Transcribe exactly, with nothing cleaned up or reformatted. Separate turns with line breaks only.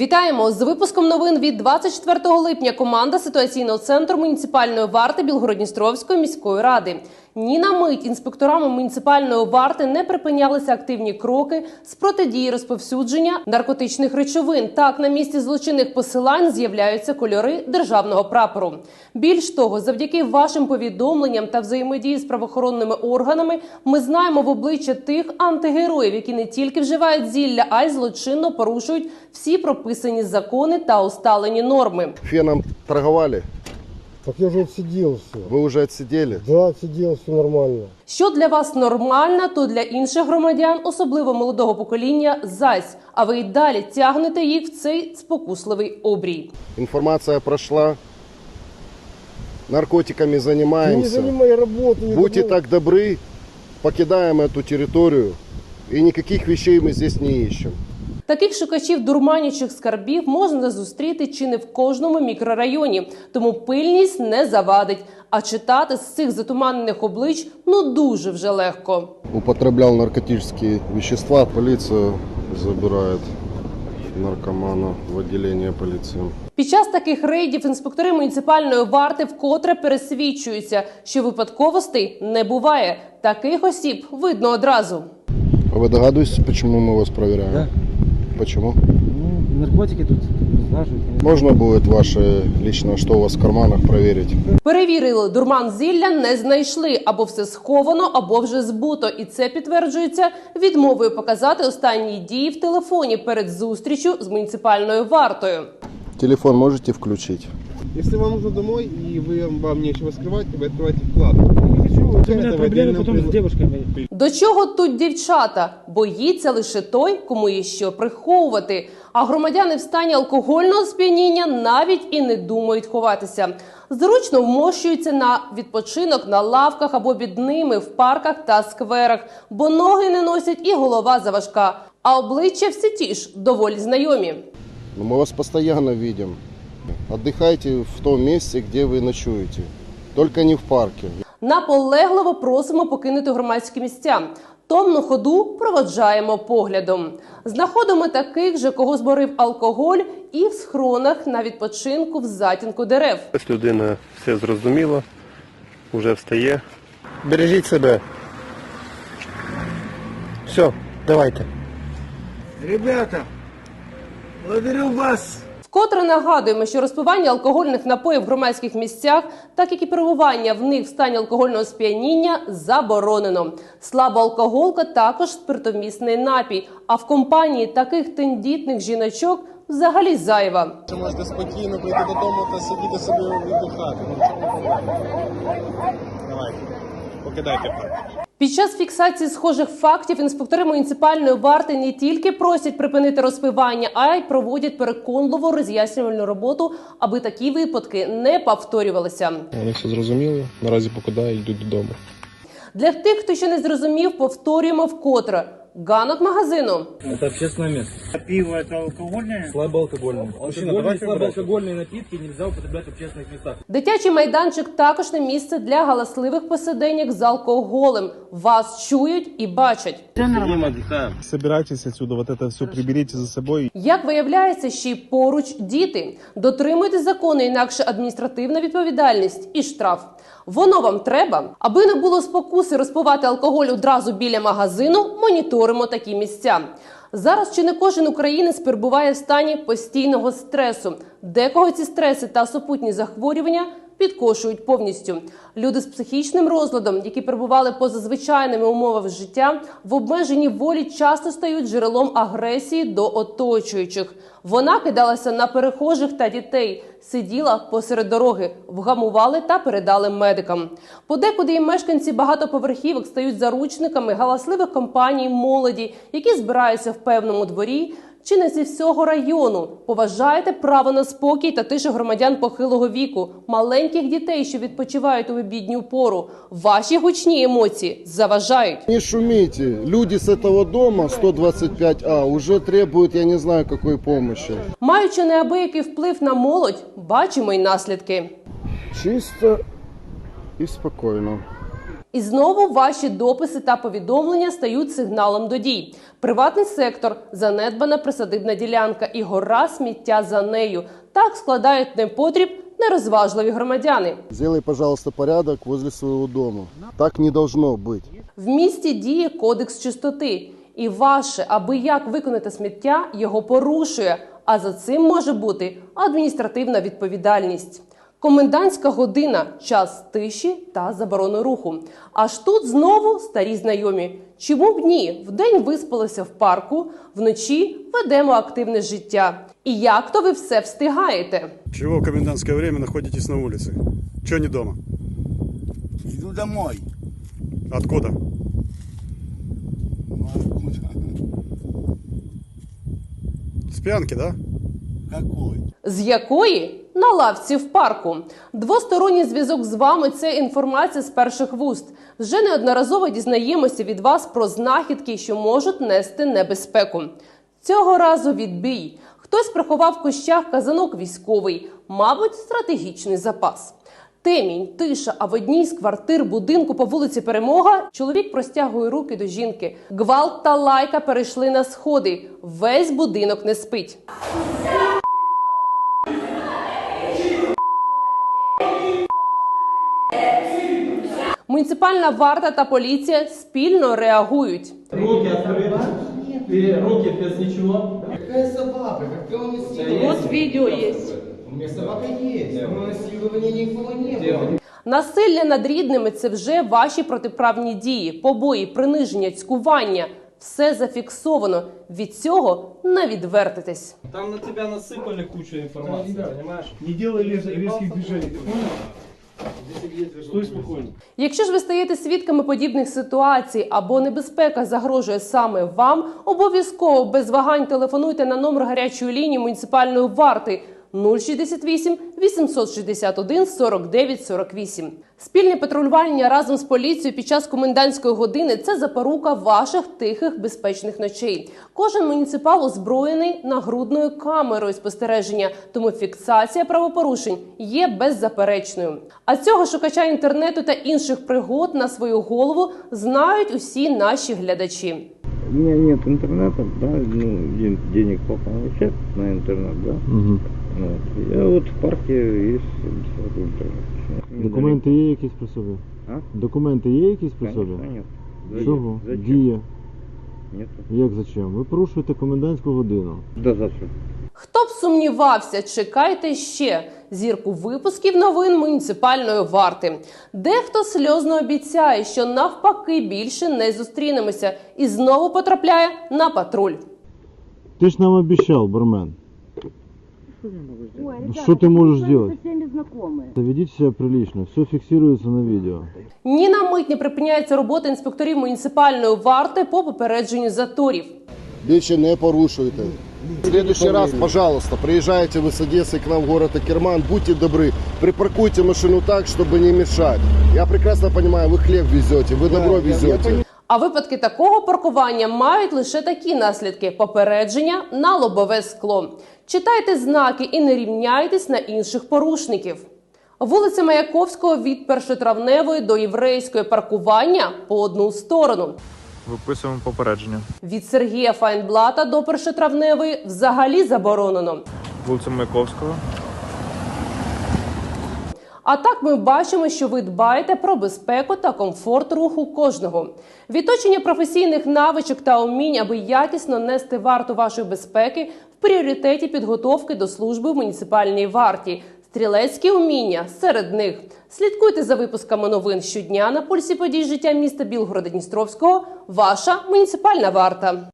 Вітаємо! З випуском новин від двадцять четвертого липня команда ситуаційного центру муніципальної варти Білгород-Дністровської міської ради. Ні на мить інспекторами муніципальної варти не припинялися активні кроки з протидії розповсюдження наркотичних речовин. Так, на місці злочинних посилань з'являються кольори державного прапору. Більш того, завдяки вашим повідомленням та взаємодії з правоохоронними органами ми знаємо в обличчя тих антигероїв, які не тільки вживають зілля, а й злочинно порушують всі прописані закони та усталені норми.
Феном торговали?
Так я уже отсидел все.
Вы уже отсидели?
Да, отсидел, все нормально.
Що для вас нормально, то для інших громадян, особливо молодого покоління, зась. А ви й далі тягнете їх в цей спокусливий обрій.
Информация прошла. Наркотиками
Я
занимаемся.
не занимаю работу. не
Будьте
занимаю.
так добры, покидаем эту территорию. И никаких вещей мы здесь не ищем.
Таких шукачів дурманячих скарбів можна зустріти чи не в кожному мікрорайоні. Тому пильність не завадить. А читати з цих затуманених облич ну дуже вже легко.
Употреблял наркотические вещества. Полиция забирает наркомана в отделение полиции.
Під час таких рейдів інспектори муніципальної варти вкотре пересвідчуються, що випадковостей не буває. Таких осіб видно одразу.
А вы догадываетесь, почему мы вас проверяем?
Да.
Почему?
Ну, наркотики тут разлаживают.
Можно будет ваше личное, что у вас в карманах, проверить?
Перевірили, дурман зілля не знайшли. Або все сховано, або вже збуто. І це підтверджується відмовою показати останні дії в телефоні перед зустрічю з муніципальною вартою.
Телефон можете включить?
Если вам нужно домой и вы, вам нечего скрывать, вы открываете вкладку.
Не хочу, у меня
Это в
проблемы
отдельном
потом с
прилог-
девушками.
До чого тут дівчата? Боїться лише той, кому є що приховувати. А громадяни в стані алкогольного сп'яніння навіть і не думають ховатися. Зручно вмощуються на відпочинок на лавках або під ними в парках та скверах, бо ноги не носять і голова заважка. А обличчя всі ті ж, доволі знайомі.
Но мы вас постоянно видим. Отдыхайте в том месте, где вы ночуете. Только не в парке.
Наполегливо просимо покинути громадські місця. Томну ходу проводжаємо поглядом. Знаходимо таких же, кого зборив алкоголь, і в схронах на відпочинку в затінку дерев.
Ось людина все зрозуміла, вже встає.
Бережіть себе. Все, давайте.
Ребята, благодарю вас.
Вкотре нагадуємо, що розпивання алкогольних напоїв в громадських місцях, так як і перебування в них в стані алкогольного сп'яніння, заборонено. Слабоалкоголка також спиртомісний напій, а в компанії таких тендітних жіночок взагалі зайва.
Ви можете спокійно прийти додому та сидіти собі віддихати. Ну, чому проблема? Давайте, покидайте парк.
Під час фіксації схожих фактів інспектори муніципальної варти не тільки просять припинити розпивання, а й проводять переконливу роз'яснювальну роботу, аби такі випадки не повторювалися.
Вони все зрозуміли, наразі покидають, йдуть додому.
Для тих, хто ще не зрозумів, повторюємо вкотре. Ганок магазину.
Это общественное место.
Пиво это алкогольное?
Слабоалкогольное. Алкогольные, слабоалкогольные напитки нельзя употреблять в общественных местах.
Дитячий майданчик також не місце для галасливих посиденьок з алкоголем. Вас чують і бачать.
Собирайтесь отсюда, вот это все приберите за собой.
Як виявляється, ще й поруч діти. Дотримуйтесь закону, інакше адміністративна відповідальність і штраф. Воно вам треба? Аби не було спокуси розпивати алкоголь одразу біля магазину, моніторимо такі місця. Зараз чи не кожен українець перебуває в стані постійного стресу. Декого ці стреси та супутні захворювання підкошують повністю. Люди з психічним розладом, які перебували поза звичайними умовами життя, в обмеженій волі часто стають джерелом агресії до оточуючих. Вона кидалася на перехожих та дітей, сиділа посеред дороги, вгамували та передали медикам. Подекуди і мешканці багатоповерхівок стають заручниками галасливих компаній молоді, які збираються в певному дворі, чи не зі всього району. Поважайте право на спокій та тишу громадян похилого віку, маленьких дітей, що відпочивають у обідню пору. Ваші гучні емоції заважають.
Не шумите. Люди с этого дома сто двадцать пять А уже требуют, я не знаю, какой помощи.
Маючи неабиякий вплив на молодь, бачимо й наслідки.
Чисто и спокойно.
І знову ваші дописи та повідомлення стають сигналом до дій. Приватний сектор, занедбана присадибна ділянка і гора сміття за нею. Так складають непотріб нерозважливі громадяни.
Сделай, пожалуйста, порядок возле своего дома. Так не должно быть.
В місті діє кодекс чистоти. І ваше, аби як виконати сміття, його порушує. А за цим може бути адміністративна відповідальність. Комендантська година – час тиші та заборони руху. Аж тут знову старі знайомі. Чому б ні? Вдень виспалися в парку, вночі ведемо активне життя. І як то ви все встигаєте?
Чего в комендантское время находитесь на улице? Чего не дома?
Иду домой.
Откуда?
Ну, откуда?
С пьянки, да?
Какой?
З якої? На лавці в парку. Двосторонній зв'язок з вами – це інформація з перших вуст. Вже неодноразово дізнаємося від вас про знахідки, що можуть нести небезпеку. Цього разу відбій. Хтось приховав в кущах казанок військовий, мабуть, стратегічний запас. Темінь, тиша, а в одній з квартир будинку по вулиці Перемога чоловік простягує руки до жінки. Гвалт та лайка перейшли на сходи. Весь будинок не спить. Муніципальна варта та поліція спільно реагують.
Руки открыты. Ты руки без ничего.
Какая собака? Какое насилие?
От відео є.
У меня собака есть, но насилования никого не было.
Насилля над рідними – це вже ваші протиправні дії, побої, приниження, цькування. Все зафіксовано. Від цього не відвертитесь.
Там на тебя насыпали кучу информации, понимаешь?
Не делай резких движений, ты понял? Стой спокойно.
Якщо ж ви стаєте свідками подібних ситуацій або небезпека загрожує саме вам, обов'язково без вагань телефонуйте на номер гарячої лінії муніципальної варти нуль шістдесят вісім вісімсот шістдесят один сорок дев'ять сорок вісім. Спільне патрулювання разом з поліцією під час комендантської години – це запорука ваших тихих, безпечних ночей. Кожен муніципал озброєний нагрудною камерою спостереження, тому фіксація правопорушень є беззаперечною. А цього шукача інтернету та інших пригод на свою голову знають усі наші глядачі.
У меня нет интернета, да, ну, ден- денег папа получает на интернет, да.
Угу.
Вот. Я вот в парке есть бесплатный интернет.
Документи є якісь при собі?
А?
Документи є якісь при собі?
Конечно, нет.
Чого?
Зачем?
Дія.
Нет.
Як зачем? Ви порушуєте комендантську годину.
Да зачем?
Хто б сумнівався, чекайте ще зірку випусків новин муніципальної варти. Дехто сльозно обіцяє, що навпаки більше не зустрінемося і знову потрапляє на патруль.
Ти ж нам обіцяв, бармен.
Ой,
Ну, что ты можешь
мы
делать?
со всеми знакомы.
Ведіть себе прилично, все фіксується на відео.
Ні на мить не припиняється робота інспекторів муніципальної варти по попередженню заторів.
Більше не порушуйте. В следующий раз, пожалуйста, приезжайте вы с Одессы к нам в город Акерман, будьте добры, припаркуйте машину так, чтобы не мешать. Я прекрасно понимаю, вы хлеб везете, вы добро везете.
А випадки такого паркування мають лише такі наслідки – попередження на лобове скло. Читайте знаки і не рівняйтесь на інших порушників. Вулиця Маяковського від Першотравневої до Єврейської паркування по одну сторону.
Виписуємо попередження.
Від Сергія Файнблата до Першотравневої взагалі заборонено.
Вулиця Маяковського.
А так ми бачимо, що ви дбаєте про безпеку та комфорт руху кожного. Відточення професійних навичок та умінь, аби якісно нести варту вашої безпеки, в пріоритеті підготовки до служби в муніципальній варті. Стрілецькі уміння серед них. Слідкуйте за випусками новин щодня на пульсі подій життя міста Білгорода-Дністровського. Ваша муніципальна варта.